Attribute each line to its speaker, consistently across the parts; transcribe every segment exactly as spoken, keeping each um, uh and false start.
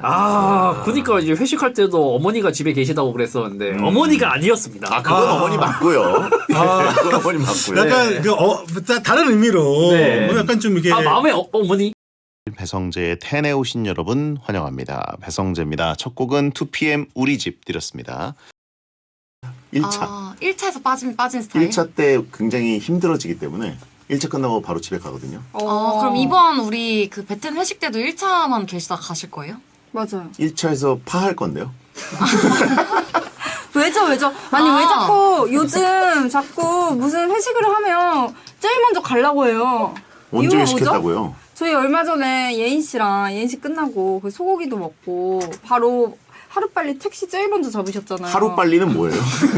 Speaker 1: 아, 그러니까 이제 회식할 때도 어머니가 집에 계시다고 그랬었는데 음. 어머니가 아니었습니다.
Speaker 2: 아, 그건
Speaker 3: 아.
Speaker 2: 어머니 맞고요. 아. 그건 어머니 맞고요.
Speaker 3: 약간
Speaker 1: 네.
Speaker 3: 그 어, 다른 의미로
Speaker 1: 네.
Speaker 3: 뭐 약간 좀 이게
Speaker 1: 아, 마음의 어, 어머니.
Speaker 2: 배성재의 텐에 오신 여러분 환영합니다. 배성재입니다. 첫 곡은 투피엠 우리 집 드렸습니다. 일 차.
Speaker 4: 아, 일 차에서 빠진 빠진 스타일.
Speaker 2: 일 차 때 굉장히 힘들어지기 때문에 일 차 끝나고 바로 집에 가거든요.
Speaker 4: 어, 그럼 이번 우리 그 베텐 회식 때도 일 차만 계시다 가실 거예요?
Speaker 5: 맞아요.
Speaker 2: 일 차에서 파할 건데요.
Speaker 5: 왜죠, 왜죠? 아니,
Speaker 4: 아.
Speaker 5: 왜 자꾸 요즘 자꾸 무슨 회식을 하면 제일 먼저 가려고 해요.
Speaker 2: 언제
Speaker 5: 이유가
Speaker 2: 회식했다고요?
Speaker 5: 뭐죠? 저희 얼마 전에 예인 씨랑 예인 씨 끝나고 그 소고기도 먹고 바로 하루빨리 택시 제일 먼저 잡으셨잖아요.
Speaker 2: 하루 빨리는 뭐예요?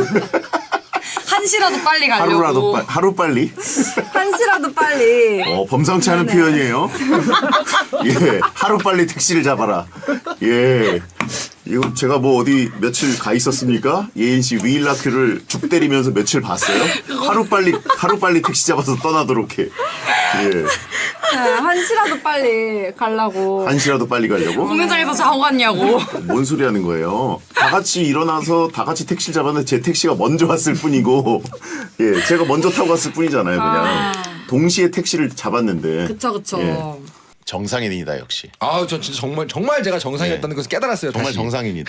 Speaker 4: 한시라도 빨리 가려고.
Speaker 2: 하루라도 빨 하루 빨리?
Speaker 5: 한시라도 빨리.
Speaker 2: 어, 범상치 않은
Speaker 5: 네네.
Speaker 2: 표현이에요. 예, 하루 빨리 택시를 잡아라. 예, 이거 제가 뭐 어디 며칠 가 있었습니까? 예인 씨 위일라큐를 죽 때리면서 며칠 봤어요? 하루 빨리 하루 빨리 택시 잡아서 떠나도록 해. 예,
Speaker 5: 네, 한시라도 빨리 가려고.
Speaker 2: 한시라도 빨리 가려고?
Speaker 4: 공연장에서 자고 갔냐고.
Speaker 2: 뭔 소리 하는 거예요? 다 같이 일어나서 다 같이 택시를 잡았는데 제 택시가 먼저 왔을 뿐이고, 예, 제가 먼저 타고 갔을 뿐이잖아요, 그냥.
Speaker 4: 아.
Speaker 2: 동시에 택시를 잡았는데.
Speaker 4: 그쵸 그쵸.
Speaker 2: 예. 정상인이다, 역시.
Speaker 6: 아우 전 진짜 정말 정말 제가 정상이었다는 것을 깨달았어요.
Speaker 2: 정말
Speaker 6: 다시.
Speaker 2: 정상인이다.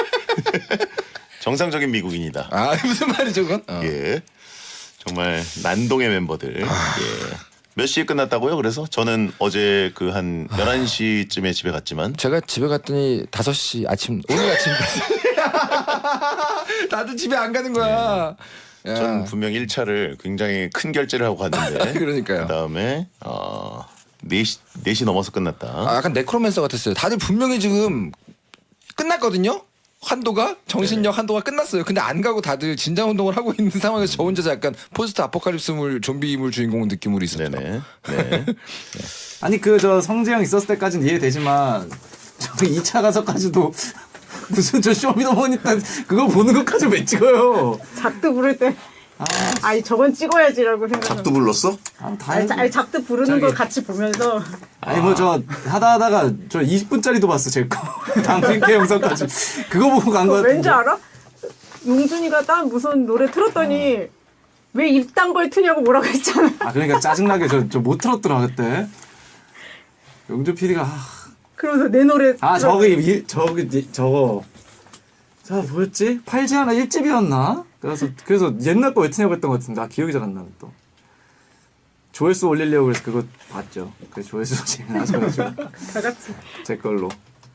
Speaker 2: 정상적인 미국인이다.
Speaker 6: 아 무슨 말이죠 그건? 어.
Speaker 2: 예. 정말 난동의 멤버들. 예. 몇 시에 끝났다고요? 그래서 저는 어제 그 한 열한 시쯤에 집에 갔지만
Speaker 6: 제가 집에 갔더니 다섯 시 아침 오늘 아침까지 다들 집에 안 가는 거야. 야.
Speaker 2: 전 분명 일 차를 굉장히 큰 결제를 하고 갔는데
Speaker 6: 그러니까요.
Speaker 2: 그다음에 어 네 시 네 시 넘어서 끝났다.
Speaker 6: 아, 약간 네크로맨서 같았어요. 다들 분명히 지금 끝났거든요. 한도가 정신력 한도가 끝났어요. 근데 안 가고 다들 진장 운동을 하고 있는 상황에서 저 혼자서 약간 포스트 아포칼립스물 좀비물 주인공 느낌으로 있었죠.
Speaker 2: 네네. 네.
Speaker 7: 아니 그 저 성재형 있었을 때까지는 이해되지만 저 이 차 가서까지도 무슨 저 쇼미더머니 때 그거 보는 것까지 왜 찍어요?
Speaker 8: 작두 부를 때 아, 아니 저건 찍어야지라고 생각하고
Speaker 2: 작두 불렀어?
Speaker 7: 아, 다
Speaker 8: 아니, 자- 아니 작두 부르는
Speaker 7: 저기-
Speaker 8: 걸 같이 보면서
Speaker 7: 아니 뭐 저 하다 하다가 저 이십 분짜리도 봤어 제 거. 당신께 영상까지 그거 보고 간 거
Speaker 8: 어,
Speaker 7: 같은데.
Speaker 8: 왠지 알아? 용준이가 딱 무슨 노래 틀었더니 왜 이딴 걸 트냐고 뭐라고 했잖아.
Speaker 7: 아 그러니까 짜증나게 저 저 못 틀었더라 그때. 영주 피디가 아,
Speaker 8: 그러면서 내 노래
Speaker 7: 아
Speaker 8: 틀어-
Speaker 7: 저기 이- 저기 저거 저 뭐였지? 팔지 하나 일 집이었나? 그래서 그래서 옛날 거 왜 트냐고 했던 것 같은데 아 기억이 잘 안 나네 또. 조회수 올리려고 그래서 그거 봤죠. 그 조회수 제일 나서가지고
Speaker 8: 다 같이
Speaker 7: 제 걸로.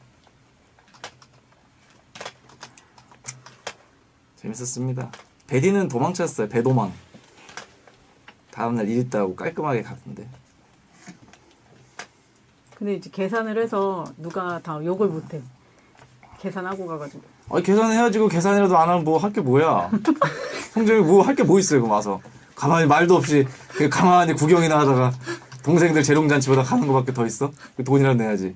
Speaker 7: 재밌었습니다. 배디는 도망쳤어요. 배도망. 다음날 일 있다고 깔끔하게 갔는데.
Speaker 8: 근데 이제 계산을 해서 누가 다 욕을 못해. 계산하고 가가지고
Speaker 7: 아니 계산해야지. 그 계산이라도 안 하면 뭐 할 게 뭐야. 성적이 뭐 할 게 뭐 있어요. 그럼 와서 가만히 말도 없이 그냥 가만히 구경이나 하다가 동생들 재롱잔치보다 가는 거밖에 더 있어? 그 돈이라도 내야지.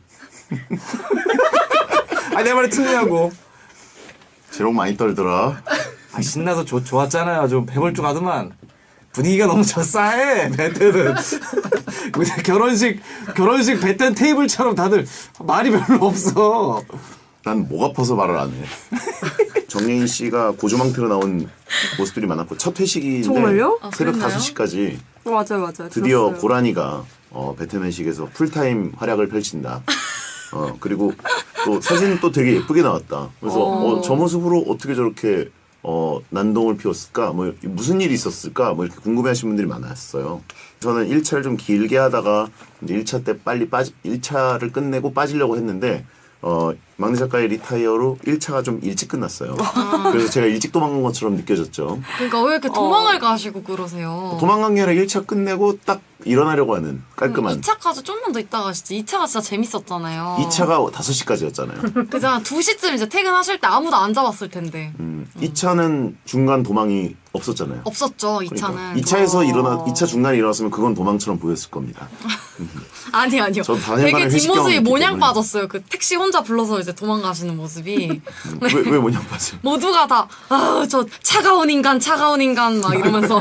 Speaker 7: 아니 내 말이 틀리냐고.
Speaker 2: 재롱 많이 떨더라.
Speaker 7: 아 신나서 좋 좋았잖아요. 좀 배벌쭉하더만. 분위기가 너무 젖싸해 베텐은. 근데 결혼식 결혼식 베텐 테이블처럼 다들 말이 별로 없어.
Speaker 2: 난 목 아파서 말을 안 해. 정예인 씨가 고조망태로 나온 모습들이 많았고 첫 회식인데
Speaker 5: 정말요?
Speaker 4: 아,
Speaker 2: 새벽
Speaker 4: 그랬나요?
Speaker 2: 다섯 시까지
Speaker 5: 어, 맞아요, 맞아요.
Speaker 2: 드디어
Speaker 5: 들었어요.
Speaker 2: 고라니가 어, 베텐 회식에서 풀타임 활약을 펼친다. 어 그리고 또 사진은 또 되게 예쁘게 나왔다. 그래서 어, 저 모습으로 어떻게 저렇게 어, 난동을 피웠을까? 뭐 무슨 일이 있었을까? 뭐 이렇게 궁금해하시는 분들이 많았어요. 저는 일 차를 좀 길게 하다가 이제 일 차 때 빨리 빠지 일 차를 끝내고 빠지려고 했는데 어, 막내 작가의 리타이어로 일 차가 좀 일찍 끝났어요. 그래서 제가 일찍 도망간 것처럼 느껴졌죠.
Speaker 4: 그러니까 왜 이렇게 도망을 가시고 그러세요?
Speaker 2: 도망간 게 아니라 일 차 끝내고 딱 일어나려고 하는 깔끔한.
Speaker 4: 이 차까지 좀만 더 있다 가시지. 이 차가 진짜 재밌었잖아요.
Speaker 2: 이 차가 다섯 시까지였잖아요.
Speaker 4: 그잖아 두 시쯤 이제 퇴근하실 때 아무도 안 잡았을 텐데.
Speaker 2: 음, 이 차는 중간 도망이 없었잖아요.
Speaker 4: 없었죠, 이 차는.
Speaker 2: 그러니까 이 차에서
Speaker 4: 어.
Speaker 2: 일어나 이 차 중간에 일어났으면 그건 도망처럼 보였을 겁니다.
Speaker 4: 아니 아니요.
Speaker 2: 전 다행히
Speaker 4: 되게
Speaker 2: 회식
Speaker 4: 뒷모습이
Speaker 2: 경험이 있기
Speaker 4: 모냥
Speaker 2: 때문에.
Speaker 4: 빠졌어요. 그 택시 혼자 불러서 이제 도망가시는 모습이.
Speaker 2: 왜, 왜 뭐냐 봤어요.
Speaker 4: 모두가 다, 아, 저 차가운 인간, 차가운 인간, 막 이러면서.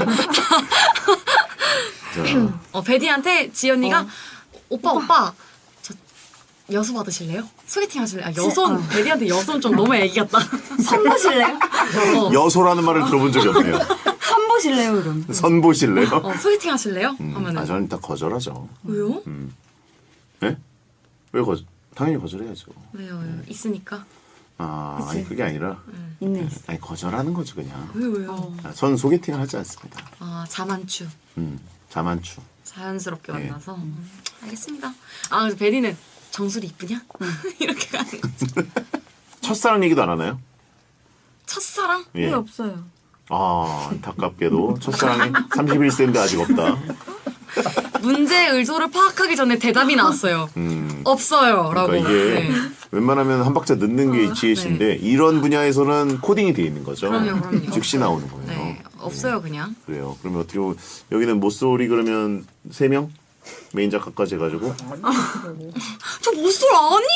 Speaker 2: 자,
Speaker 4: 어, 베디한테 지연이가, 오빠, 오빠, 저 여수 받으실래요? 소개팅 하실래요? 아, 여손 베리한테 여손 좀 너무 애기 같다.
Speaker 5: 선보실래요?
Speaker 4: 어,
Speaker 2: 여소라는 말을 들어본 적이 없네요.
Speaker 5: 선보실래요 그럼?
Speaker 2: 선보실래요?
Speaker 4: 어, 소개팅 하실래요?
Speaker 2: 음,
Speaker 4: 하면은
Speaker 2: 아 저는 딱 거절하죠.
Speaker 4: 왜요?
Speaker 2: 네? 왜 거절? 당연히 거절해야죠.
Speaker 4: 왜요? 왜요? 있으니까.
Speaker 2: 아, 아니 그게 아니라
Speaker 5: 있네.
Speaker 2: 아니 거절하는 거죠 그냥.
Speaker 4: 왜 왜요?
Speaker 2: 아, 전 소개팅을 하지 않습니다.
Speaker 4: 아 자만추.
Speaker 2: 음, 자만추.
Speaker 4: 자연스럽게
Speaker 2: 네.
Speaker 4: 만나서. 음, 알겠습니다. 아 그래서 베리는 정수리 이쁘냐? 이렇게 가는 거지.
Speaker 2: 첫사랑 얘기도 안 하나요?
Speaker 4: 첫사랑?
Speaker 2: 예.
Speaker 5: 왜 없어요?
Speaker 2: 아, 안타깝게도 첫사랑이 삼십일 세인데 아직 없다.
Speaker 4: 문제의 의도를 파악하기 전에 대답이 나왔어요.
Speaker 2: 음.
Speaker 4: 없어요라고.
Speaker 2: 그러니까 이게
Speaker 4: 네.
Speaker 2: 웬만하면 한 박자 늦는 게 지혜신데 이런 분야에서는 코딩이 돼 있는 거죠.
Speaker 4: 그럼요, 그럼요.
Speaker 2: 즉시 나오는 거예요.
Speaker 4: 네, 없어요 그냥.
Speaker 2: 그래요. 그러면 어떻게 보면 여기는 모쏠이 그러면 세 명 메인 작가까지 해가지고
Speaker 4: 저 모쏠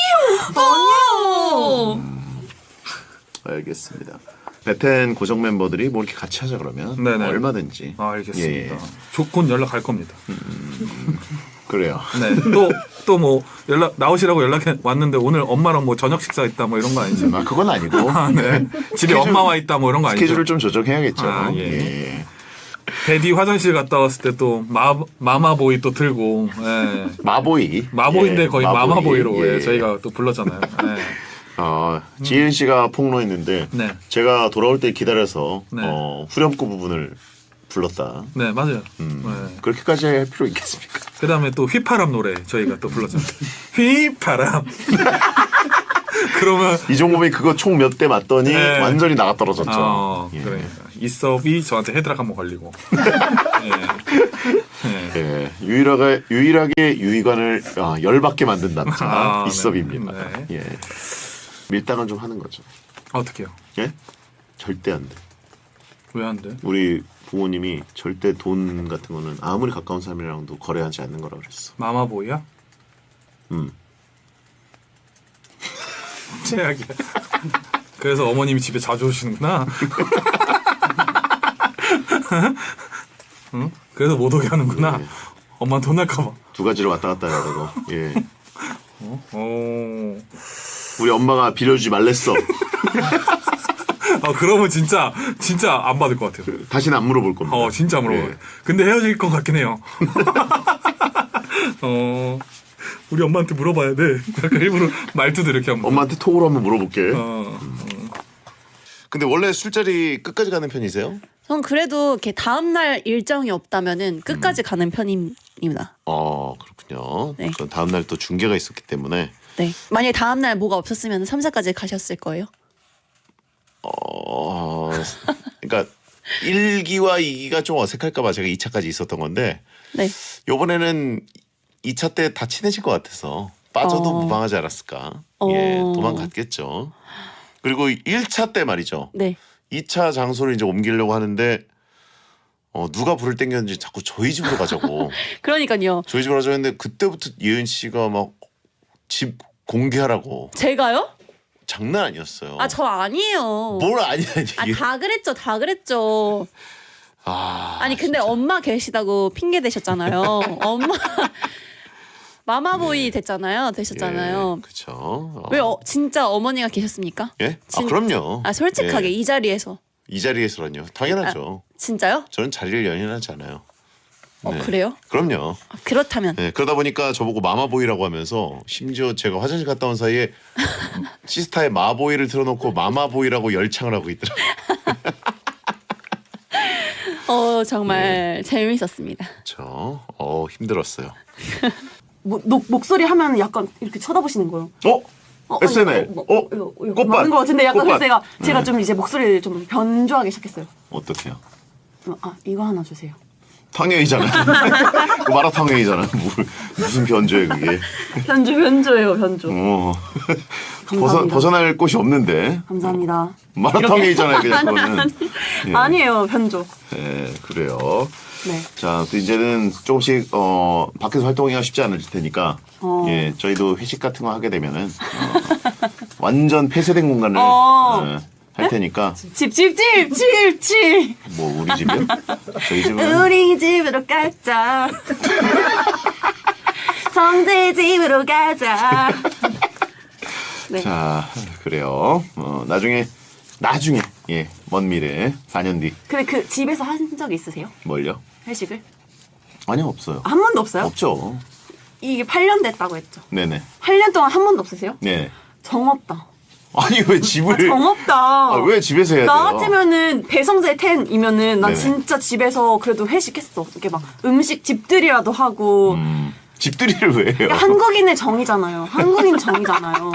Speaker 4: 아니에요. 아니에요.
Speaker 2: 알겠습니다. 베텐 고정 멤버들이 뭐 이렇게 같이 하자 그러면
Speaker 7: 네네.
Speaker 2: 얼마든지.
Speaker 7: 아 알겠습니다.
Speaker 2: 예, 예.
Speaker 7: 조건 연락할 겁니다.
Speaker 2: 그래요.
Speaker 7: 네. 또 또 뭐 연락 나오시라고 연락해 왔는데 오늘 엄마랑 뭐 저녁 식사 있다 뭐 이런 거 아니죠?
Speaker 2: 아, 그건 아니고
Speaker 7: 아, 네. 집에
Speaker 2: 스케줄-
Speaker 7: 엄마 와 있다 뭐 이런 거 아니죠?
Speaker 2: 스케줄을 좀 조정해야겠죠.
Speaker 7: 아, 예.
Speaker 2: 예.
Speaker 7: 베디 화장실 갔다 왔을 때 또 마마보이 또 들고 예.
Speaker 2: 마보이.
Speaker 7: 마보인데
Speaker 2: 예,
Speaker 7: 거의
Speaker 2: 마보이.
Speaker 7: 마마보이로
Speaker 2: 예.
Speaker 7: 예, 저희가 또 불렀잖아요. 예.
Speaker 2: 어, 지은 씨가 폭로했는데
Speaker 7: 네.
Speaker 2: 제가 돌아올 때 기다려서
Speaker 7: 네.
Speaker 2: 어, 후렴구 부분을 불렀다.
Speaker 7: 네 맞아요.
Speaker 2: 음,
Speaker 7: 네.
Speaker 2: 그렇게까지 할 필요 있겠습니까?
Speaker 7: 그다음에 또 휘파람 노래 저희가 또 불렀잖아요. 휘파람. 그러면
Speaker 2: 이 정도면 그거 총 몇 대 맞더니
Speaker 7: 네.
Speaker 2: 완전히 나가 떨어졌죠.
Speaker 7: 어,
Speaker 2: 예.
Speaker 7: 그러니까 이섭이 저한테 헤드락 한번 걸리고. 예. 예.
Speaker 2: 예, 유일하게 유일하게 유희관을 아, 열받게 만든 남자
Speaker 7: 아,
Speaker 2: 이섭입니다.
Speaker 7: 네.
Speaker 2: 예, 밀당은 좀 하는 거죠.
Speaker 7: 어떻게요?
Speaker 2: 예, 절대 안 돼.
Speaker 7: 왜 안 돼?
Speaker 2: 우리 부모님이 절대 돈 같은 거는 아무리 가까운 사람이랑도 거래하지 않는 거라 그랬어.
Speaker 7: 마마보이야?
Speaker 2: 음,
Speaker 7: 최악이야. 그래서 어머님이 집에 자주 오시는구나. 응? 그래서 못 오게 하는구나.
Speaker 2: 네.
Speaker 7: 엄마 돈 날까봐.
Speaker 2: 두 가지를 왔다 갔다 해야 되고. 예,
Speaker 7: 오.
Speaker 2: 우리 엄마가 빌려주지 말랬어.
Speaker 7: 아 그러면 진짜 진짜 안 받을 것 같아요.
Speaker 2: 다시는 안 물어볼 겁니다.
Speaker 7: 어 진짜 물어봐요.
Speaker 2: 예.
Speaker 7: 근데 헤어질 것 같긴 해요. 어 우리 엄마한테 물어봐야 돼. 약간 일부러 말투도 이렇게 한번.
Speaker 2: 엄마한테 톡으로 한번 물어볼게.
Speaker 7: 어.
Speaker 2: 근데 원래 술자리 끝까지 가는 편이세요?
Speaker 9: 전 그래도 이렇게 다음 날 일정이 없다면은 끝까지 가는 편입니다.
Speaker 2: 어, 그렇군요.
Speaker 9: 네.
Speaker 2: 그 다음 날 또 중계가 있었기 때문에
Speaker 9: 네. 만약에 다음 날 뭐가 없었으면 삼 사까지 가셨을 거예요.
Speaker 2: 어, 그러니까 일 기와 이 기가 좀 어색할까봐 제가 이 차까지 있었던 건데
Speaker 9: 네.
Speaker 2: 이번에는 이 차 때 다 친해질 것 같아서 빠져도
Speaker 9: 어.
Speaker 2: 무방하지 않았을까.
Speaker 9: 어.
Speaker 2: 예, 도망갔겠죠. 그리고 일 차 때 말이죠.
Speaker 9: 네.
Speaker 2: 이 차 장소를 이제 옮기려고 하는데 어, 누가 불을 땡겼는지 자꾸 저희 집으로 가자고.
Speaker 9: 그러니까요.
Speaker 2: 저희 집으로 가자고 했는데 그때부터 예은 씨가 막 집 공개하라고.
Speaker 9: 제가요?
Speaker 2: 장난 아니었어요.
Speaker 9: 아 저 아니에요.
Speaker 2: 뭘 아니야
Speaker 9: 아
Speaker 2: 이게.
Speaker 9: 다 그랬죠. 다 그랬죠.
Speaker 2: 아,
Speaker 9: 아니 근데 엄마 계시다고 핑계 대셨잖아요. 엄마 마마보이 됐잖아요. 되셨잖아요.
Speaker 2: 그렇죠. 어.
Speaker 9: 왜 어, 진짜 어머니가 계셨습니까?
Speaker 2: 예? 아
Speaker 9: 진-
Speaker 2: 그럼요.
Speaker 9: 아 솔직하게
Speaker 2: 예.
Speaker 9: 이 자리에서
Speaker 2: 이 자리에서라뇨. 당연하죠.
Speaker 9: 진짜요?
Speaker 2: 저는 자리를 연연하지 않아요.
Speaker 9: 어
Speaker 2: 네.
Speaker 9: 그래요?
Speaker 2: 그럼요.
Speaker 9: 아, 그렇다면
Speaker 2: 네, 그러다 보니까 저보고 마마보이라고 하면서 심지어 제가 화장실 갔다 온 사이에 시스타의 마보이를 틀어놓고 마마보이라고 열창을 하고 있더라고요.
Speaker 9: 어 정말 재미있었습니다.
Speaker 2: 그렇죠. 어 힘들었어요.
Speaker 10: 뭐, 녹, 목소리 하면 약간 이렇게 쳐다보시는 거예요.
Speaker 2: 어?
Speaker 10: 어,
Speaker 2: 에스엔엘.
Speaker 10: 아니, 뭐,
Speaker 2: 어?
Speaker 10: 이거, 이거
Speaker 2: 꽃밭.
Speaker 10: 맞는 것 같은데 약간
Speaker 2: 꽃밭.
Speaker 10: 그래서 제가, 제가
Speaker 2: 네.
Speaker 10: 좀 이제 목소리를 좀 변조하기 시작했어요.
Speaker 2: 어떻게요?
Speaker 10: 어, 아 이거 하나 주세요.
Speaker 2: 탕웨이잖아요. 그 마라탕웨이잖아요. 무슨 변조에 그게.
Speaker 10: 변조 변조예요 변조.
Speaker 2: 어. 벗어,
Speaker 10: 감사합니다.
Speaker 2: 벗어날 곳이 없는데.
Speaker 10: 감사합니다.
Speaker 2: 마라탕웨이잖아요. 그냥 그거는. 예.
Speaker 10: 아니에요 변조.
Speaker 2: 네, 그래요.
Speaker 10: 네.
Speaker 2: 자, 또 이제는 조금씩 어 밖에서 활동하기가 쉽지 않을 테니까
Speaker 10: 어.
Speaker 2: 예, 저희도 회식 같은 거 하게 되면은 어, 완전 폐쇄된 공간을
Speaker 10: 어.
Speaker 2: 어, 할 테니까
Speaker 10: 집 집 집 집 집.
Speaker 2: 뭐 우리 집이요? 저희 집은
Speaker 10: 우리 집으로 가자. 성재 집으로 가자. 네.
Speaker 2: 자, 그래요. 어, 나중에 나중에 예, 먼 미래 사 년 뒤
Speaker 10: 근데 그 집에서 하신 적 있으세요?
Speaker 2: 뭘요?
Speaker 10: 회식을?
Speaker 2: 아니요, 없어요.
Speaker 10: 한 번도 없어요?
Speaker 2: 없죠.
Speaker 10: 이게 팔 년 됐다고 했죠.
Speaker 2: 네네.
Speaker 10: 팔 년 동안 한 번도 없으세요?
Speaker 2: 네.
Speaker 10: 정없다.
Speaker 2: 아니 왜 집을
Speaker 10: 정없다.
Speaker 2: 아, 왜 집에서 해야 돼요?
Speaker 10: 나 같으면은 배성재 텐이면은 난
Speaker 2: 네네.
Speaker 10: 진짜 집에서 그래도 회식했어. 이렇게 막 음식 집들이라도 하고.
Speaker 2: 음, 집들이를 왜 해요?
Speaker 10: 한국인의 정이잖아요. 한국인 정이잖아요.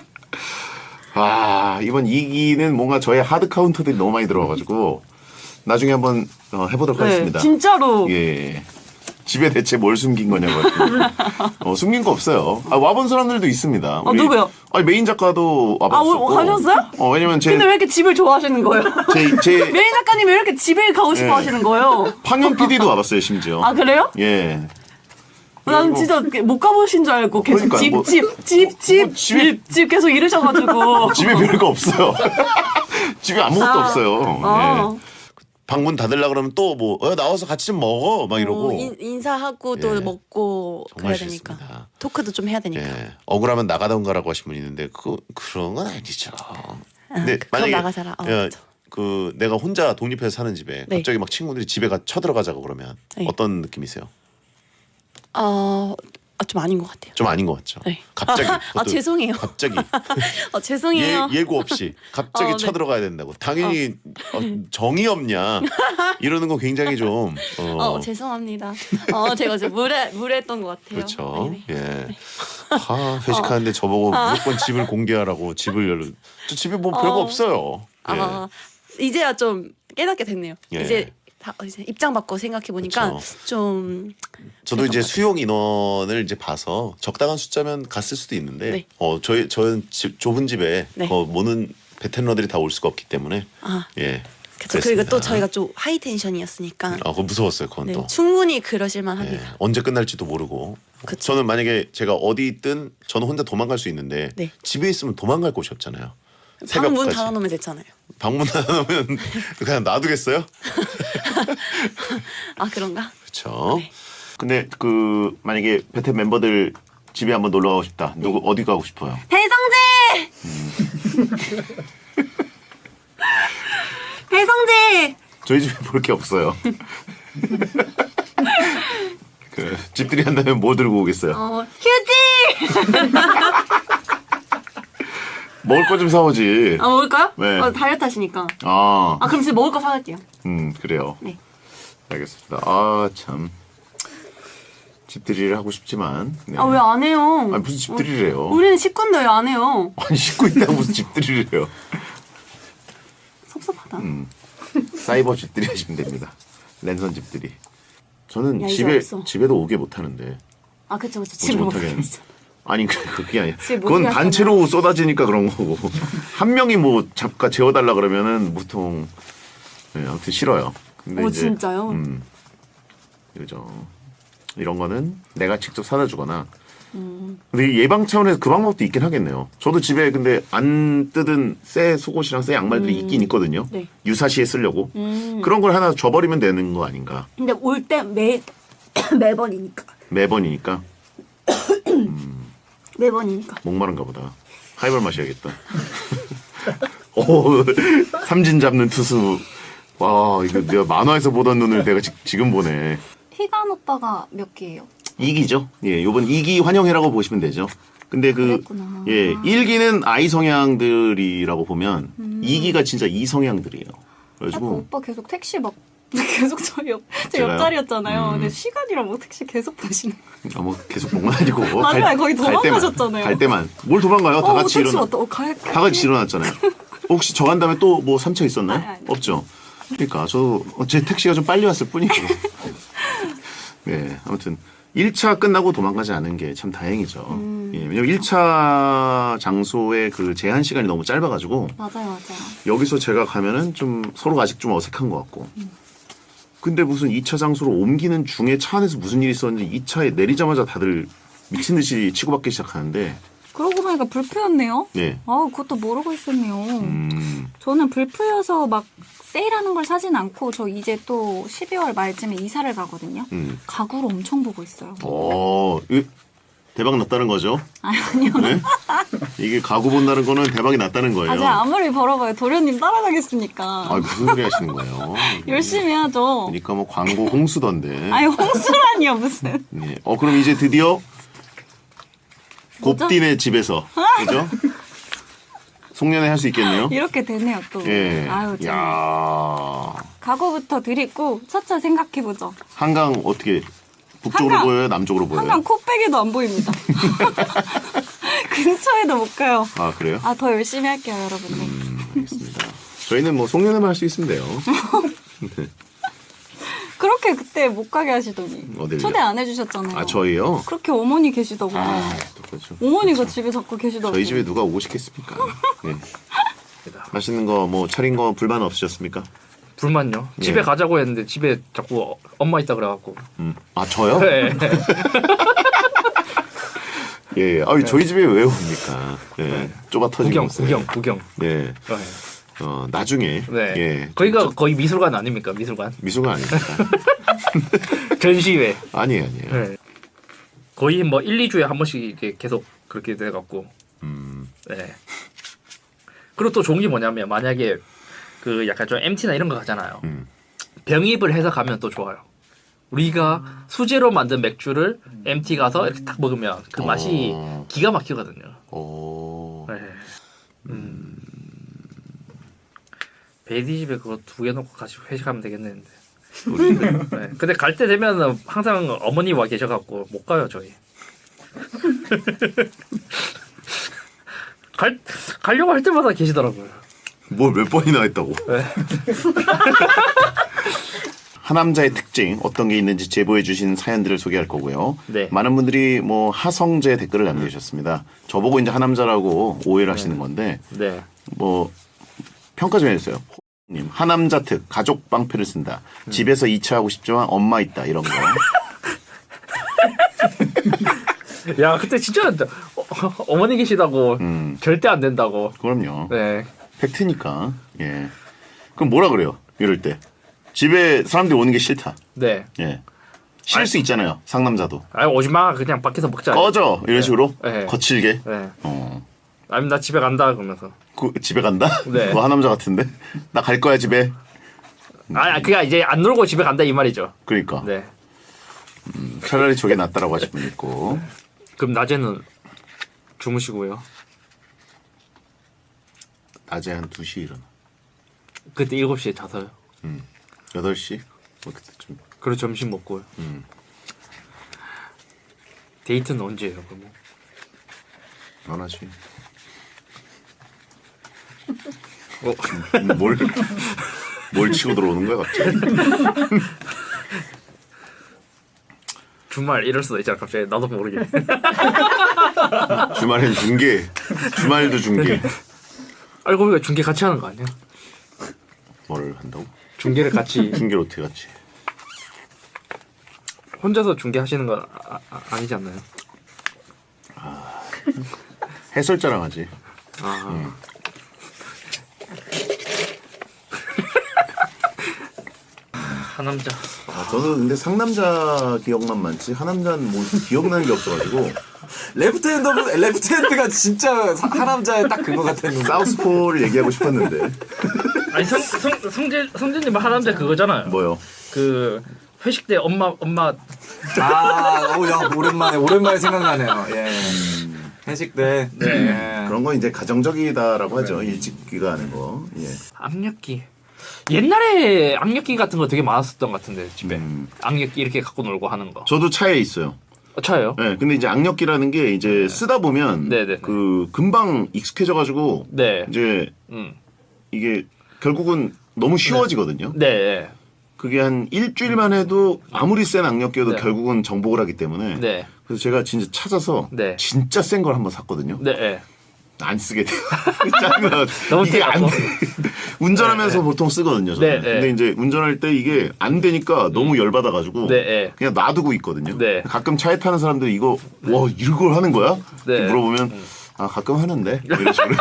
Speaker 2: 아, 이번 이 기는 뭔가 저의 하드 카운터들이 너무 많이 들어와가지고 나중에 한번 어, 해보도록
Speaker 10: 네,
Speaker 2: 하겠습니다.
Speaker 10: 진짜로.
Speaker 2: 예. 집에 대체 뭘 숨긴 거냐고. 어, 숨긴 거 없어요. 아, 와본 사람들도 있습니다.
Speaker 10: 어, 누구요?
Speaker 2: 아니, 메인 작가도
Speaker 10: 아,
Speaker 2: 와봤었고.
Speaker 10: 오, 가셨어요?
Speaker 2: 어, 왜냐면 제,
Speaker 10: 근데 왜 이렇게 집을 좋아하시는 거예요?
Speaker 2: 제, 제
Speaker 10: 메인 작가님이 왜 이렇게 집에 가고 싶어
Speaker 2: 네.
Speaker 10: 하시는 거예요?
Speaker 2: 황현 피디도 와봤어요, 심지어.
Speaker 10: 아, 그래요?
Speaker 2: 예.
Speaker 10: 난
Speaker 2: 그리고-
Speaker 10: 진짜 못 가보신 줄 알고 계속
Speaker 2: 그러니까요,
Speaker 10: 집,
Speaker 2: 뭐-
Speaker 10: 집, 집, 집,
Speaker 2: 뭐 집에-
Speaker 10: 집, 집 계속 이러셔가지고.
Speaker 2: 집에 별거 없어요. 집에 아무것도
Speaker 10: 아.
Speaker 2: 없어요.
Speaker 10: 어.
Speaker 2: 예. 방문 닫으려 그러면 또 뭐, 어, 나와서 같이 좀 먹어. 막 이러고.
Speaker 9: 어, 인, 인사하고 또
Speaker 2: 예.
Speaker 9: 먹고
Speaker 2: 정말
Speaker 9: 그래야 되니까.
Speaker 2: 싫습니다.
Speaker 9: 토크도 좀 해야 되니까.
Speaker 2: 예. 억울하면 나가던가라고 하신 분이 있는데 그 그런 건 아니죠. 근데
Speaker 9: 그- 그럼 나가자라. 어,
Speaker 2: 야,
Speaker 9: 맞아.
Speaker 2: 그 내가 혼자 독립해서 사는 집에
Speaker 9: 네.
Speaker 2: 갑자기 막 친구들이 집에 가 쳐들어가자고 그러면
Speaker 9: 네.
Speaker 2: 어떤 느낌이세요?
Speaker 9: 어, 아, 좀 아닌 것 같아요.
Speaker 2: 좀 아닌 것 같죠.
Speaker 9: 네.
Speaker 2: 갑자기.
Speaker 9: 아,
Speaker 2: 그것도
Speaker 9: 죄송해요.
Speaker 2: 갑자기
Speaker 9: 어, 죄송해요.
Speaker 2: 예, 예고 없이 갑자기
Speaker 9: 어, 네.
Speaker 2: 쳐들어가야 된다고. 당연히 어, 정이 없냐 이러는 거 굉장히 좀 어,
Speaker 9: 어, 죄송합니다. 어, 제가 좀 무례 무례했던 것 같아요.
Speaker 2: 그렇죠.
Speaker 9: 네네.
Speaker 2: 예. 아, 회식하는데 저보고 무조건 집을 공개하라고 집을 열로. 저 집에 뭐 별거
Speaker 9: 어.
Speaker 2: 없어요. 예.
Speaker 9: 아, 이제야 좀 깨닫게 됐네요.
Speaker 2: 예.
Speaker 9: 이제 다 이제 입장 바꿔 생각해 보니까
Speaker 2: 그쵸.
Speaker 9: 좀
Speaker 2: 저도 이제 수용 인원을 이제 봐서 적당한 숫자면 갔을 수도 있는데
Speaker 9: 네.
Speaker 2: 어 저희 저는 집, 좁은 집에
Speaker 9: 네.
Speaker 2: 거 모는 베테너들이 다 올 수가 없기 때문에
Speaker 9: 아,
Speaker 2: 예.
Speaker 9: 그쵸. 그리고 또
Speaker 2: 그랬습니다.
Speaker 9: 저희가 좀 하이 텐션이었으니까
Speaker 2: 아, 그거 무서웠어요. 그건
Speaker 9: 네,
Speaker 2: 또.
Speaker 9: 충분히 그러실만
Speaker 2: 예.
Speaker 9: 합니다.
Speaker 2: 언제 끝날지도 모르고.
Speaker 9: 그쵸.
Speaker 2: 저는 만약에 제가 어디 있든 저는 혼자 도망갈 수 있는데
Speaker 9: 네.
Speaker 2: 집에 있으면 도망갈 곳이 없잖아요.
Speaker 9: 방문
Speaker 2: 새벽까지.
Speaker 9: 닫아놓으면 됐잖아요.
Speaker 2: 방문 닫아놓으면 그냥 놔두겠어요?
Speaker 9: 아 그런가?
Speaker 2: 그렇죠.
Speaker 9: 네.
Speaker 2: 근데 그 만약에 베텐 멤버들 집에 한번 놀러 가고 싶다.
Speaker 9: 네.
Speaker 2: 누구 어디 가고 싶어요?
Speaker 10: 배성재! 배성재!
Speaker 2: 저희 집에 볼 게 없어요. 그 집들이 한다면 뭐 들고 오겠어요?
Speaker 10: 어, 휴지!
Speaker 2: 먹을 거 좀 사오지.
Speaker 10: 아, 먹을까요?
Speaker 2: 네.
Speaker 10: 어, 다이어트 하시니까.
Speaker 2: 아,
Speaker 10: 아, 그럼 진짜 먹을 거 사갈게요.
Speaker 2: 음 그래요.
Speaker 10: 네.
Speaker 2: 알겠습니다. 아 참. 집들이를 하고 싶지만. 네.
Speaker 10: 아, 왜 안 해요?
Speaker 2: 아니, 무슨 집들이를 해요?
Speaker 10: 우리는 식구인데 왜 안 해요?
Speaker 2: 아니 씻고 있다고 무슨 집들이를 해요?
Speaker 10: 섭섭하다.
Speaker 2: 음. 사이버 집들이 하시면 됩니다. 랜선 집들이. 저는
Speaker 10: 야, 이제
Speaker 2: 집에
Speaker 10: 없어.
Speaker 2: 집에도 오게 못하는데
Speaker 10: 아, 그쵸, 그쵸.
Speaker 2: 오지
Speaker 10: 집에
Speaker 2: 못하게.
Speaker 10: 먹어야
Speaker 2: 아니 그- 그게 아니야.
Speaker 10: 집에 못
Speaker 2: 그건
Speaker 10: 들어가잖아.
Speaker 2: 단체로 쏟아지니까 그런 거고 한 명이 뭐 잠깐 재워달라 그러면은 보통 네, 아무튼 싫어요. 근데
Speaker 10: 어,
Speaker 2: 이제,
Speaker 10: 진짜요?
Speaker 2: 음, 그죠. 이런 거는 내가 직접 사다 주거나.
Speaker 10: 음.
Speaker 2: 근데 이 예방 차원에서 그 방법도 있긴 하겠네요. 저도 집에 근데 안 뜯은 새 속옷이랑 새 양말들이 있긴 있거든요.
Speaker 10: 네.
Speaker 2: 유사시에 쓰려고.
Speaker 10: 음.
Speaker 2: 그런 걸 하나 줘버리면 되는 거 아닌가.
Speaker 10: 근데 올 때 매, 매번이니까.
Speaker 2: 매번이니까
Speaker 10: 매번이니까.
Speaker 2: 목마른가 보다. 하이볼 마셔야겠다. 오, 삼진 잡는 투수. 와, 이거 내가 만화에서 보던 눈을 내가 지, 지금 보네.
Speaker 4: 희간 오빠가 몇 개예요?
Speaker 2: 이 기죠. 예, 요번 이 기 환영회라고 보시면 되죠. 근데 그,
Speaker 4: 그랬구나.
Speaker 2: 예, 일 기는 아이 성향들이라고 보면
Speaker 4: 음.
Speaker 2: 이 기가 진짜 이 성향들이에요.
Speaker 4: 아까
Speaker 2: 그래가지고,
Speaker 4: 오빠 계속 택시 막 계속 저희 옆, 제
Speaker 2: 제가요?
Speaker 4: 옆자리였잖아요.
Speaker 2: 음.
Speaker 4: 근데 시간이랑 뭐 택시 계속 보시는.
Speaker 2: 아, 뭐 계속 목만 아니고.
Speaker 4: 맞아요. 거의
Speaker 2: 갈 때만,
Speaker 4: 도망가셨잖아요.
Speaker 2: 갈 때만. 뭘 도망가요? 다
Speaker 4: 어,
Speaker 2: 같이
Speaker 4: 택시
Speaker 2: 일어나.
Speaker 4: 왔다. 어, 갈,
Speaker 2: 다 같이 일어났잖아요. 혹시 저 간 다음에 또 뭐 삼차 있었나요?
Speaker 4: 아니, 아니.
Speaker 2: 없죠. 그러니까 저도 제 택시가 좀 빨리 왔을 뿐이고. 네, 아무튼 일 차 끝나고 도망가지 않은 게 참 다행이죠.
Speaker 4: 음.
Speaker 2: 예, 왜냐면 일 차 장소의 그 제한 시간이 너무 짧아가지고
Speaker 4: 맞아요, 맞아요.
Speaker 2: 여기서 제가 가면은 좀 서로가 아직 좀 어색한 것 같고. 근데 무슨 이 차 장소로 옮기는 중에 차 안에서 무슨 일이 있었는지 이 차에 내리자마자 다들 미친 듯이 치고받기 시작하는데.
Speaker 5: 그러고 보니까 불프였네요.
Speaker 2: 네.
Speaker 5: 아, 그것도 모르고 있었네요.
Speaker 2: 음,
Speaker 5: 저는 불프여서 막 세일하는 걸 사진 않고 저 이제 또 십이월 말쯤에 이사를 가거든요.
Speaker 2: 음.
Speaker 5: 가구를 엄청 보고 있어요.
Speaker 2: 어, 이- 대박 났다는 거죠?
Speaker 5: 아니요.
Speaker 2: 네? 이게 가구 본다는 거는 대박이 났다는 거예요.
Speaker 5: 아, 제가 아무리 벌어봐요. 도련님 따라가겠습니까?
Speaker 2: 아, 무슨 소리 하시는 거예요?
Speaker 5: 열심히 하죠.
Speaker 2: 그러니까 뭐 광고 홍수던데.
Speaker 5: 아니, 홍수라니요, 무슨.
Speaker 2: 네. 어 그럼 이제 드디어 곱디네 집에서 그죠? 송년회 할 수 있겠네요.
Speaker 5: 이렇게 되네요, 또.
Speaker 2: 예.
Speaker 5: 아유, 참.
Speaker 2: 야.
Speaker 5: 각오부터 드리고 차차 생각해보죠.
Speaker 2: 한강 어떻게 북쪽으로
Speaker 5: 한강.
Speaker 2: 보여요? 남쪽으로 보여요?
Speaker 5: 한강 코빼기도 안 보입니다. 근처에도 못 가요.
Speaker 2: 아 그래요?
Speaker 5: 아, 더 열심히 할게요, 여러분들.
Speaker 2: 음, 알겠습니다. 저희는 뭐 송년회만 할 수 있으면 돼요. 네.
Speaker 5: 그렇게 그때 못 가게 하시더니.
Speaker 2: 어딜요?
Speaker 5: 초대 안 해주셨잖아요.
Speaker 2: 아 저희요?
Speaker 5: 그렇게 어머니 계시다고.
Speaker 2: 아, 또 그렇죠.
Speaker 5: 어머니가 집에 자꾸 계시다고.
Speaker 2: 저희 집에 누가 오고 싶겠습니까? 네. 맛있는 거 뭐 차린 거 불만 없으셨습니까?
Speaker 1: 불만요.
Speaker 2: 예.
Speaker 1: 집에 가자고 했는데 집에 자꾸 어- 엄마 있다 그래갖고.
Speaker 2: 음. 아 저요?
Speaker 1: 네.
Speaker 2: 예. 아 저희 집에 왜 옵니까? 예. 좁아 터진
Speaker 1: 구경,
Speaker 2: 곳에.
Speaker 1: 구경, 구경.
Speaker 2: 예.
Speaker 1: 네.
Speaker 2: 어 나중에.
Speaker 1: 네.
Speaker 2: 예.
Speaker 1: 거기가 거의 미술관 아닙니까? 미술관.
Speaker 2: 미소가 아닙니다.
Speaker 1: 전시회.
Speaker 2: 아니에요, 아니에요.
Speaker 1: 네. 거의 뭐 일, 이 주에 한 번씩 이렇게 계속 그렇게 돼갖고.
Speaker 2: 음.
Speaker 1: 네. 그리고 또 좋은 게 뭐냐면 만약에 그 약간 좀 엠티나 이런 거 가잖아요.
Speaker 2: 음.
Speaker 1: 병입을 해서 가면 또 좋아요. 우리가 수제로 만든 맥주를 엠티 가서 이렇게 딱 먹으면 그 맛이
Speaker 2: 어.
Speaker 1: 기가 막히거든요.
Speaker 2: 오.
Speaker 1: 네. 음. 베이디 집에 그거 두 개 놓고 같이 회식하면 되겠는데. 네. 근데 갈 때 되면 항상 어머니 와 계셔갖고 못 가요 저희. 갈 가려고 할 때마다 계시더라고요.
Speaker 2: 뭘 몇 번이나 했다고?
Speaker 1: 네.
Speaker 2: 하남자의 특징 어떤 게 있는지 제보해 주신 사연들을 소개할 거고요.
Speaker 1: 네.
Speaker 2: 많은 분들이 뭐 하성재 댓글을 남겨주셨습니다. 저보고 이제 하남자라고 오해를 하시는 건데
Speaker 1: 네.
Speaker 2: 뭐 평가 좀 해주세요. 님 하남자 특 가족 방패를 쓴다. 집에서 이 차 하고 싶지만 엄마 있다 이런 거.
Speaker 1: 야 그때 진짜 어, 어머니 계시다고
Speaker 2: 음.
Speaker 1: 절대 안 된다고.
Speaker 2: 그럼요.
Speaker 1: 네.
Speaker 2: 팩트니까. 예. 그럼 뭐라 그래요? 이럴 때 집에 사람들이 오는 게 싫다.
Speaker 1: 네.
Speaker 2: 예. 싫을 수 있잖아요. 상남자도.
Speaker 1: 아 오지 마 그냥 밖에서 먹자.
Speaker 2: 꺼져 이런 식으로
Speaker 1: 네.
Speaker 2: 거칠게.
Speaker 1: 네.
Speaker 2: 어.
Speaker 1: 아니면 나 집에 간다 그러면서.
Speaker 2: 그 집에 간다?
Speaker 1: 네.
Speaker 2: 뭐 하남자 같은데? 나 갈 거야 집에.
Speaker 1: 아 그게 이제 안 놀고 집에 간다 이 말이죠.
Speaker 2: 그러니까.
Speaker 1: 네.
Speaker 2: 음, 차라리 저게 낫다라고 하실 분 있고.
Speaker 1: 그럼 낮에는 주무시고요.
Speaker 2: 낮에 한 두 시 일어나.
Speaker 1: 그때 일곱 시에 자서요.
Speaker 2: 음. 여덟 시? 뭐 그때쯤.
Speaker 1: 그리고 점심 먹고요.
Speaker 2: 음.
Speaker 1: 데이트는 언제예요 그러면?
Speaker 2: 안 하지.
Speaker 1: 어.
Speaker 2: 음, 뭘, 뭘 치고 들어오는 거야 갑자기?
Speaker 1: 주말 이럴 수도 있잖아 갑자기 나도 모르게.
Speaker 2: 주말엔 중계. 주말도 중계.
Speaker 1: 알고 보니까 중계 같이 하는 거 아니야?
Speaker 2: 뭘 한다고?
Speaker 1: 중계를 같이
Speaker 2: 중계를 어떻게 같이?
Speaker 1: 혼자서 중계 하시는 건 아, 아, 아니지 않나요?
Speaker 2: 해설자랑 하지.
Speaker 1: 아.
Speaker 2: 음.
Speaker 1: 하남자.
Speaker 2: 아, 저는 근데 상남자 기억만 많지 하남자는 뭐 기억나는 게 없어가지고
Speaker 7: 레프트핸드 레프트핸드가 진짜 사- 하남자의 딱 그거 같았는데.
Speaker 2: 사우스포를 얘기하고 싶었는데
Speaker 1: 아니 성, 성, 성재 성재님 하남자 그거잖아요.
Speaker 2: 뭐요?
Speaker 1: 그 회식 때 엄마 엄마
Speaker 7: 아, 오, 야, 오랜만에 오랜만에 생각나네요. 예. 회식 때. 네. 예.
Speaker 2: 그런 건 이제 가정적이다라고 하죠. 일찍 귀가하는 거. 예.
Speaker 1: 악력기. 옛날에 악력기 같은 거 되게 많았었던 것 같은데 집에
Speaker 2: 음.
Speaker 1: 악력기 이렇게 갖고 놀고 하는 거.
Speaker 2: 저도 차에 있어요.
Speaker 1: 어, 차요?
Speaker 2: 네, 근데 이제 악력기라는 게 이제 쓰다 보면
Speaker 1: 네네네.
Speaker 2: 그 금방 익숙해져가지고
Speaker 1: 네.
Speaker 2: 이제
Speaker 1: 음.
Speaker 2: 이게 결국은 너무 쉬워지거든요.
Speaker 1: 네.
Speaker 2: 그게 한 일주일만 해도 아무리 센 악력기여도
Speaker 1: 네.
Speaker 2: 결국은 정복을 하기 때문에
Speaker 1: 네.
Speaker 2: 그래서 제가 진짜 찾아서
Speaker 1: 네.
Speaker 2: 진짜 센 걸 한번 샀거든요.
Speaker 1: 네. 네.
Speaker 2: 안 쓰게 돼요. 짜증나.
Speaker 1: 너무
Speaker 2: 이게 안
Speaker 1: 세갖고.
Speaker 2: 돼. 운전하면서 보통 쓰거든요. 저는.
Speaker 1: 네, 네.
Speaker 2: 근데 이제 운전할 때 이게 안 되니까 너무 열받아가지고
Speaker 1: 네, 네.
Speaker 2: 그냥 놔두고 있거든요.
Speaker 1: 네.
Speaker 2: 가끔 차에 타는 사람들이 이거 와 이걸 하는 거야?
Speaker 1: 네.
Speaker 2: 이렇게 물어보면 아 가끔 하는데 뭐 이런 식으로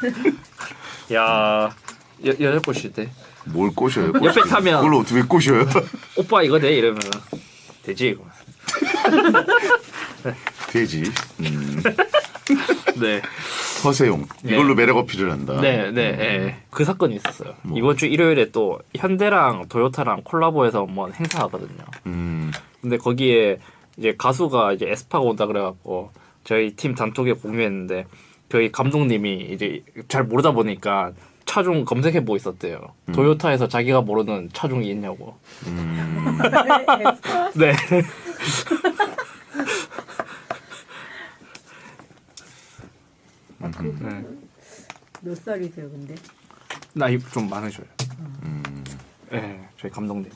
Speaker 1: 야 여, 여자 꼬실 때
Speaker 2: 뭘 꼬셔요?
Speaker 1: 옆에
Speaker 2: 꼬시기.
Speaker 1: 타면-
Speaker 2: 그걸 어떻게 꼬셔요?
Speaker 1: 오빠 이거 돼 이러면 되지 이거.
Speaker 2: 돼지. 음.
Speaker 1: 네.
Speaker 2: 허세용.
Speaker 1: 네.
Speaker 2: 이걸로 매력 어필을 한다.
Speaker 1: 네, 네, 예. 그 사건이 있었어요.
Speaker 2: 뭐.
Speaker 1: 이번 주 일요일에 또 현대랑 도요타랑 콜라보해서 뭐 행사하거든요.
Speaker 2: 음.
Speaker 1: 근데 거기에 이제 가수가 이제 에스파가 온다 그래갖고 저희 팀 단톡에 공유했는데 저희 감독님이 이제 잘 모르다 보니까 차종 검색해보고 있었대요.
Speaker 2: 음.
Speaker 1: 도요타에서 자기가 모르는 차종이 있냐고.
Speaker 2: 음.
Speaker 1: 네. 네.
Speaker 8: 몇 살이세요, 근데?
Speaker 1: 나이 좀 많으셔요.
Speaker 2: 음.
Speaker 1: 네, 저희 감독님.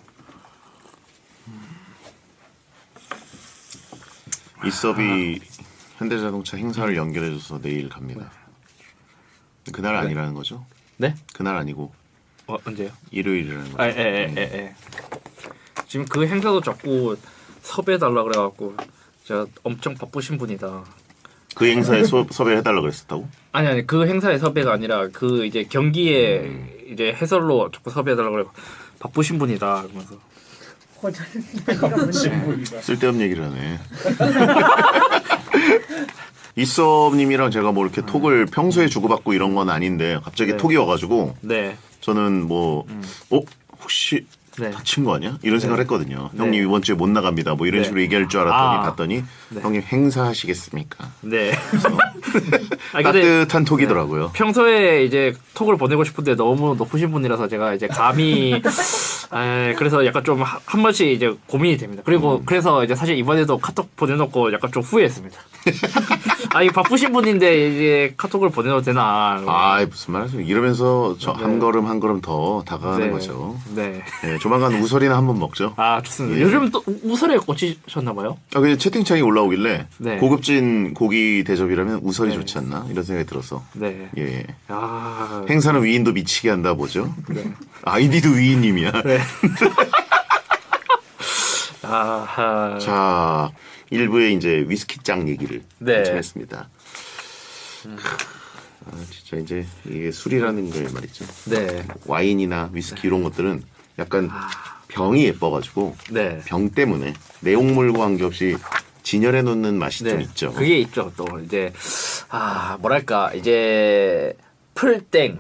Speaker 2: 이섭이 현대자동차 행사를 연결해줘서 내일 갑니다. 그날 아니라는 거죠?
Speaker 1: 네?
Speaker 2: 그날 아니고
Speaker 1: 어, 언제요?
Speaker 2: 일요일이라는 거죠.
Speaker 1: 아, 예, 예, 예, 예. 지금 그 행사도 자꾸 섭외해달라 그래갖고 제가 엄청 바쁘신 분이다.
Speaker 2: 그 행사에 소, 섭외해달라고 그랬었다고?
Speaker 1: 아니 아니 그 행사의 섭외가 아니라 그 이제 경기에
Speaker 2: 음.
Speaker 1: 이제 해설로 자꾸 섭외해달라고 그래 바쁘신 분이다 그러면서
Speaker 2: 쓸데없는 얘기를 하네. 이섭님이랑 제가 뭐 이렇게 톡을 평소에 주고받고 이런 건 아닌데 갑자기
Speaker 1: 네.
Speaker 2: 톡이 와가지고
Speaker 1: 네,
Speaker 2: 저는 뭐 어? 혹시
Speaker 1: 네.
Speaker 2: 다친 거 아니야? 이런 생각을 했거든요.
Speaker 1: 네.
Speaker 2: 형님 이번 주에 못 나갑니다. 뭐 이런
Speaker 1: 네.
Speaker 2: 식으로 얘기할 줄 알았더니
Speaker 1: 아.
Speaker 2: 봤더니
Speaker 1: 네.
Speaker 2: 형님 행사하시겠습니까?
Speaker 1: 네. 아니, 근데
Speaker 2: 따뜻한 톡이더라고요.
Speaker 1: 평소에 이제 톡을 보내고 싶은데 너무 높으신 분이라서 제가 이제 감히 에, 그래서 약간 좀 한 번씩 이제 고민이 됩니다. 그리고
Speaker 2: 음.
Speaker 1: 그래서 이제 사실 이번에도 카톡 보내놓고 약간 좀 후회했습니다. 아니 바쁘신 분인데 이제 카톡을 보내도 되나?
Speaker 2: 아 무슨 말하세요? 이러면서 저 한
Speaker 1: 네.
Speaker 2: 걸음 한 걸음 더 다가가는
Speaker 1: 네.
Speaker 2: 거죠.
Speaker 1: 네.
Speaker 2: 네, 조만간 우설이나 한번 먹죠.
Speaker 1: 아 좋습니다.
Speaker 2: 예.
Speaker 1: 요즘 또 우설에 꽂히셨나봐요?
Speaker 2: 아, 그냥 채팅창이 올라오길래
Speaker 1: 네.
Speaker 2: 고급진 고기 대접이라면 우설이
Speaker 1: 네.
Speaker 2: 좋지 않나 이런 생각이 들어서
Speaker 1: 네.
Speaker 2: 예
Speaker 1: 아
Speaker 2: 행사는 위인도 미치게 한다 보죠.
Speaker 1: 네.
Speaker 2: 아이디도 위인님이야.
Speaker 1: 네. 아하.
Speaker 2: 자 일부에 이제 위스키짱 얘기를
Speaker 1: 네.
Speaker 2: 한참 했습니다. 아, 진짜 이제 이게 술이라는 게 말이죠.
Speaker 1: 네.
Speaker 2: 와인이나 위스키 이런 것들은 약간 병이 예뻐가지고
Speaker 1: 네.
Speaker 2: 병 때문에 내용물과 관계없이 진열해 놓는 맛이 좀
Speaker 1: 네,
Speaker 2: 있죠.
Speaker 1: 그게 있죠. 또 이제 아 뭐랄까 이제 풀땡,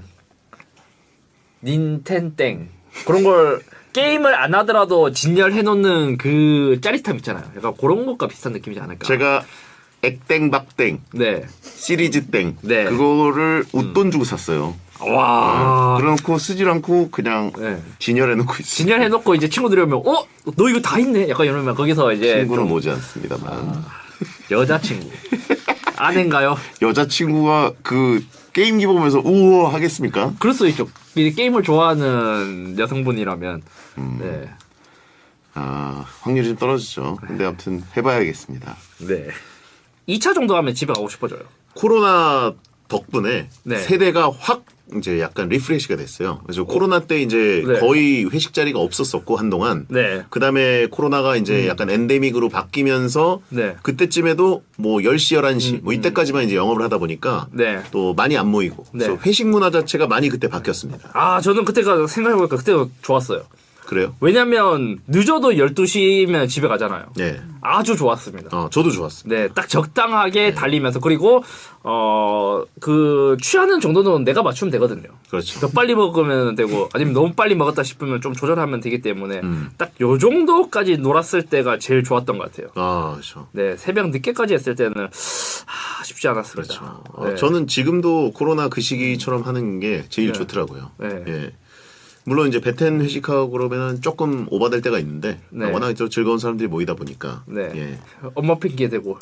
Speaker 1: 닌텐땡 그런 걸 게임을 안 하더라도 진열해 놓는 그 짜릿함 있잖아요. 약간 그런 것과 비슷한 느낌이지 않을까.
Speaker 2: 제가 액땡박땡
Speaker 1: 네,
Speaker 2: 시리즈땡
Speaker 1: 네.
Speaker 2: 그거를 웃돈 주고 샀어요.
Speaker 1: 와
Speaker 2: 그래놓고 쓰질 않고 그냥
Speaker 1: 네.
Speaker 2: 진열해 놓고 있어요.
Speaker 1: 진열해 놓고 이제 친구들이 오면 어? 너 이거 다 있네? 약간 이러면 거기서 이제
Speaker 2: 친구는
Speaker 1: 좀
Speaker 2: 오지 않습니다만
Speaker 1: 여자친구 아닌가요?
Speaker 2: 여자친구가 그 게임기 보면서 우와 하겠습니까?
Speaker 1: 그럴 수 있죠. 이 게임을 좋아하는 여성분이라면
Speaker 2: 음.
Speaker 1: 네.
Speaker 2: 아 확률이 좀 떨어지죠. 근데 아무튼 해봐야겠습니다.
Speaker 1: 네. 이 차 정도 하면 집에 가고 싶어져요.
Speaker 2: 코로나 덕분에
Speaker 1: 네.
Speaker 2: 세대가 확 이제 약간 리프레시가 됐어요. 그래서 코로나 때 이제
Speaker 1: 네.
Speaker 2: 거의 회식 자리가 없었었고 한동안.
Speaker 1: 네.
Speaker 2: 그 다음에 코로나가 이제 약간 엔데믹으로 바뀌면서
Speaker 1: 네.
Speaker 2: 그때쯤에도 뭐 열 시, 열한 시
Speaker 1: 음,
Speaker 2: 뭐 이때까지만 이제 영업을 하다 보니까
Speaker 1: 네.
Speaker 2: 또 많이 안 모이고.
Speaker 1: 네.
Speaker 2: 그래서 회식 문화 자체가 많이 그때 바뀌었습니다.
Speaker 1: 아, 저는 그때가 생각해보니까 그때가 좋았어요.
Speaker 2: 그래요?
Speaker 1: 왜냐면 늦어도 열두 시면 집에 가잖아요.
Speaker 2: 네.
Speaker 1: 아주 좋았습니다.
Speaker 2: 어, 저도 좋았습니다.
Speaker 1: 네, 딱 적당하게 달리면서 그리고 어, 그 취하는 정도는 내가 맞추면 되거든요.
Speaker 2: 그렇죠.
Speaker 1: 더 빨리 먹으면 되고 아니면 너무 빨리 먹었다 싶으면 좀 조절하면 되기 때문에
Speaker 2: 음.
Speaker 1: 딱 요 정도까지 놀았을 때가 제일 좋았던 것 같아요.
Speaker 2: 아, 그렇죠.
Speaker 1: 네, 새벽 늦게까지 했을 때는 아, 쉽지 않았습니다.
Speaker 2: 그렇죠. 어,
Speaker 1: 네.
Speaker 2: 저는 지금도 코로나 그 시기처럼 하는 게 제일
Speaker 1: 네.
Speaker 2: 좋더라고요.
Speaker 1: 네.
Speaker 2: 예. 물론 이제 베텐 회식하고 그러면은 조금 오바될 때가 있는데
Speaker 1: 네.
Speaker 2: 워낙 저 즐거운 사람들이 모이다 보니까
Speaker 1: 네.
Speaker 2: 예.
Speaker 1: 엄마 핑계 대고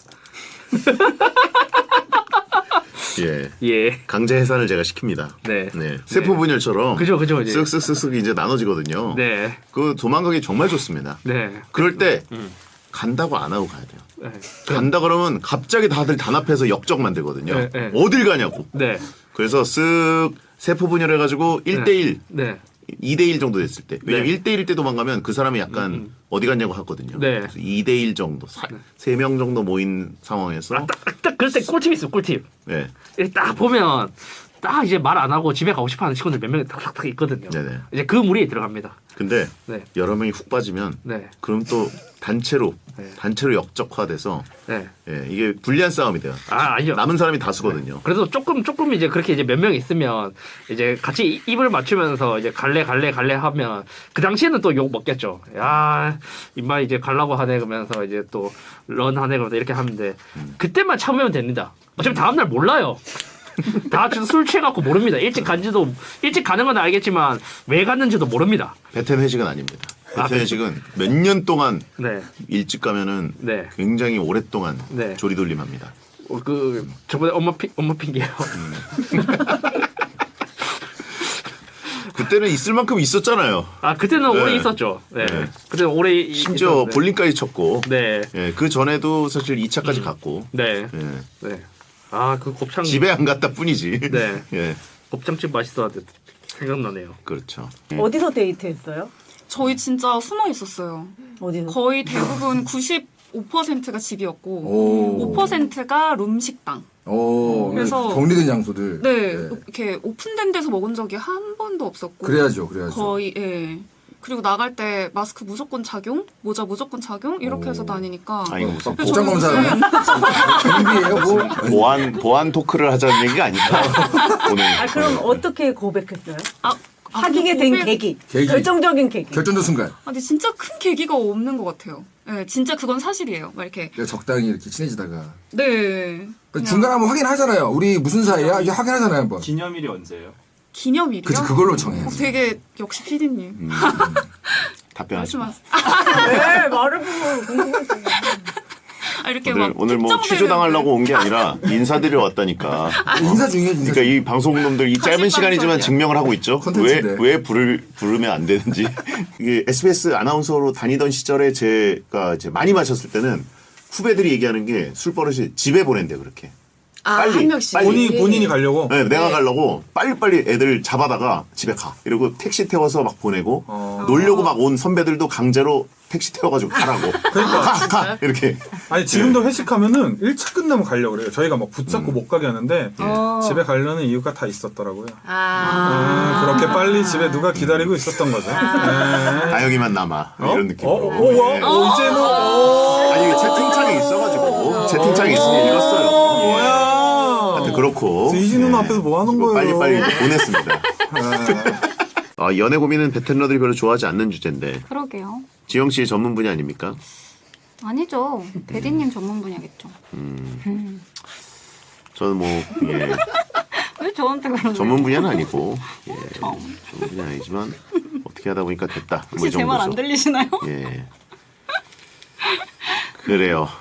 Speaker 2: 예.
Speaker 1: 예.
Speaker 2: 강제 해산을 제가 시킵니다.
Speaker 1: 네.
Speaker 2: 네. 세포 분열처럼
Speaker 1: 그죠, 그죠, 이제.
Speaker 2: 쓱쓱쓱쓱 이제 나눠지거든요.
Speaker 1: 네.
Speaker 2: 그 도망가기 정말 좋습니다.
Speaker 1: 네.
Speaker 2: 그럴 때
Speaker 1: 음.
Speaker 2: 간다고 안 하고 가야 돼요.
Speaker 1: 네.
Speaker 2: 간다 그러면 갑자기 다들 단합해서 역적 만들거든요.
Speaker 1: 네, 네.
Speaker 2: 어딜 가냐고.
Speaker 1: 네.
Speaker 2: 그래서 쓱 세포 분열해가지고 일 대일
Speaker 1: 네.
Speaker 2: 이 대일 정도 됐을 때. 왜냐면
Speaker 1: 네.
Speaker 2: 일 대일일 때 도망가면 그 사람이 약간
Speaker 1: 음.
Speaker 2: 어디 갔냐고 하거든요.
Speaker 1: 네.
Speaker 2: 그래서 이 대일 정도, 세 명 정도 모인 상황에서
Speaker 1: 아, 딱, 딱 그럴 때 꿀팁 있어, 꿀팁.
Speaker 2: 네.
Speaker 1: 이렇게 딱 보면 딱 이제 말 안 하고 집에 가고 싶어하는 친구들 몇 명이 탁탁탁 있거든요.
Speaker 2: 네네.
Speaker 1: 이제 그 무리에 들어갑니다.
Speaker 2: 근데
Speaker 1: 네.
Speaker 2: 여러 명이 훅 빠지면
Speaker 1: 네.
Speaker 2: 그럼 또 단체로
Speaker 1: 네.
Speaker 2: 단체로 역적화돼서
Speaker 1: 네.
Speaker 2: 예, 이게 불리한 싸움이 돼요.
Speaker 1: 아 아니요.
Speaker 2: 남은 사람이 다수거든요.
Speaker 1: 그래도 조금 조금 이제 그렇게 이제 몇 명 있으면 이제 같이 이- 입을 맞추면서 이제 갈래 갈래 갈래 하면 그 당시에는 또 욕 먹겠죠. 야 임마 이제 갈라고 하네 그러면서 이제 또 런 하네 그러면서 이렇게 하는데 그때만 참으면 됩니다. 어차피 다음 날 몰라요. 다 술 취해갖고 모릅니다. 일찍 간지도 일찍 가는 건 알겠지만 왜 갔는지도 모릅니다.
Speaker 2: 베텐 회식은 아닙니다.
Speaker 1: 아,
Speaker 2: 베텐 회식은 몇 년 동안
Speaker 1: 네,
Speaker 2: 일찍 가면은
Speaker 1: 네.
Speaker 2: 굉장히 오랫동안
Speaker 1: 네.
Speaker 2: 조리돌림합니다.
Speaker 1: 어, 그 저번에 엄마 피 엄마 핑계요.
Speaker 2: 그때는 있을 만큼 있었잖아요.
Speaker 1: 아 그때는
Speaker 2: 네.
Speaker 1: 오래 있었죠. 네,
Speaker 2: 네.
Speaker 1: 그때는 오래 이-
Speaker 2: 심지어
Speaker 1: 있었는데.
Speaker 2: 볼링까지 쳤고.
Speaker 1: 네,
Speaker 2: 예, 그 전에도 사실 이 차까지 갔고.
Speaker 1: 네,
Speaker 2: 예.
Speaker 1: 네. 아 그 곱창
Speaker 2: 집에 안 갔다 뿐이지.
Speaker 1: 네.
Speaker 2: 예,
Speaker 1: 곱창집 맛있었는데 생각나네요.
Speaker 2: 그렇죠.
Speaker 8: 어디서 데이트했어요?
Speaker 5: 저희 진짜 숨어 있었어요.
Speaker 8: 어디서?
Speaker 5: 거의 대부분 구십오 퍼센트가 집이었고
Speaker 6: 오.
Speaker 5: 오 퍼센트가 룸식당.
Speaker 6: 오.
Speaker 5: 그래서-
Speaker 6: 격리된 장소들.
Speaker 5: 네, 이렇게 오픈된 데서 먹은 적이 한 번도 없었고.
Speaker 6: 그래야죠, 그래야죠.
Speaker 5: 거의 예. 그리고 나갈 때 마스크 무조건 착용, 모자 무조건 착용 이렇게 해서 다니니까.
Speaker 2: 아 이거 무슨
Speaker 5: 그래서
Speaker 6: 복장
Speaker 5: 저는
Speaker 6: 검사 경비예요, 뭐.
Speaker 2: 보안 보안 토크를 하자는 얘기가 아니까 오늘.
Speaker 8: 아 그럼 어떻게 고백했어요?
Speaker 5: 아, 아,
Speaker 8: 사귀게
Speaker 5: 근데
Speaker 8: 된
Speaker 5: 고백-
Speaker 8: 계기.
Speaker 6: 계기.
Speaker 8: 결정적인 계기.
Speaker 6: 결정적 순간.
Speaker 5: 아, 근데 진짜 큰 계기가 없는 것 같아요. 네, 진짜 그건 사실이에요. 막 이렇게.
Speaker 6: 내가 적당히 이렇게 친해지다가.
Speaker 5: 네. 그냥
Speaker 6: 중간에 한번 확인하잖아요. 우리 무슨 사이야? 이게 확인하잖아요, 한번.
Speaker 7: 기념일이 언제예요?
Speaker 5: 기념일이요?
Speaker 6: 그치, 그걸로 정해.
Speaker 5: 어, 되게 역시 피디님.
Speaker 2: 음, 답변하지 마.
Speaker 5: 말씀하세요.
Speaker 8: 네, 말을 보고 궁금해서.
Speaker 5: 아, 이렇게
Speaker 2: 오늘
Speaker 5: 막
Speaker 2: 오늘 뭐
Speaker 5: 특정되는-
Speaker 2: 취조당하려고 온 게 아니라 인사드리러 왔다니까.
Speaker 6: 인사 중이에요, 인사
Speaker 2: 그러니까
Speaker 6: 중이에요.
Speaker 2: 이 방송놈들 이 짧은
Speaker 5: 거짓말
Speaker 2: 시간이지만
Speaker 5: 소리야.
Speaker 2: 증명을 하고 있죠. 왜
Speaker 6: 콘텐츠인데.
Speaker 2: 왜 부를 부르면 안 되는지. 이게 에스비에스 아나운서로 다니던 시절에 제가 이제 많이 마셨을 때는 후배들이 얘기하는 게 술 버릇이 집에 보낸대 그렇게.
Speaker 4: 아,
Speaker 2: 빨리,
Speaker 4: 한 명씩.
Speaker 2: 빨리.
Speaker 3: 본인 본인이 가려고.
Speaker 2: 네, 내가 가려고 빨리빨리 애들 잡아다가 집에 가. 이러고 택시 태워서 막 보내고
Speaker 3: 어.
Speaker 2: 놀려고 막 온 선배들도 강제로 택시 태워가지고 가라고.
Speaker 3: 그러니까.
Speaker 2: 가, 가 이렇게.
Speaker 3: 아니 지금도 회식하면은 일 차 끝나면 가려고 그래요. 저희가 막 붙잡고 못 가게 하는데
Speaker 8: 어.
Speaker 3: 집에 가려는 이유가 다 있었더라고요.
Speaker 4: 아.
Speaker 3: 음, 그렇게 빨리 집에 누가 기다리고 있었던 거죠. 네.
Speaker 2: 다영이만 남아
Speaker 3: 어?
Speaker 2: 이런 느낌으로.
Speaker 3: 어, 어, 어,
Speaker 2: 예.
Speaker 3: 어, 이제는 어,
Speaker 2: 아니 이게 채팅창에 있어가지고 채팅창에 있으니 읽었어요.
Speaker 3: 뭐야?
Speaker 2: 하여튼 그렇고.
Speaker 3: 이진우
Speaker 2: 예.
Speaker 3: 앞에서 뭐 하는 거예요?
Speaker 2: 빨리빨리 보냈습니다. 아, 연애 고민은 베테너들이 별로 좋아하지 않는 주제인데
Speaker 5: 그러게요.
Speaker 2: 지영 씨 전문 분야 아닙니까?
Speaker 5: 아니죠. 대디님 전문 분야겠죠.
Speaker 2: 저는 뭐 예,
Speaker 5: 왜 저한테 그러는
Speaker 2: 전문 분야는 아니고 예, 전문 분야 아니지만 어떻게 하다 보니까 됐다. 뭐 이
Speaker 5: 혹시 제 말 안
Speaker 2: 정도죠.
Speaker 5: 들리시나요?
Speaker 2: 예. 그래요.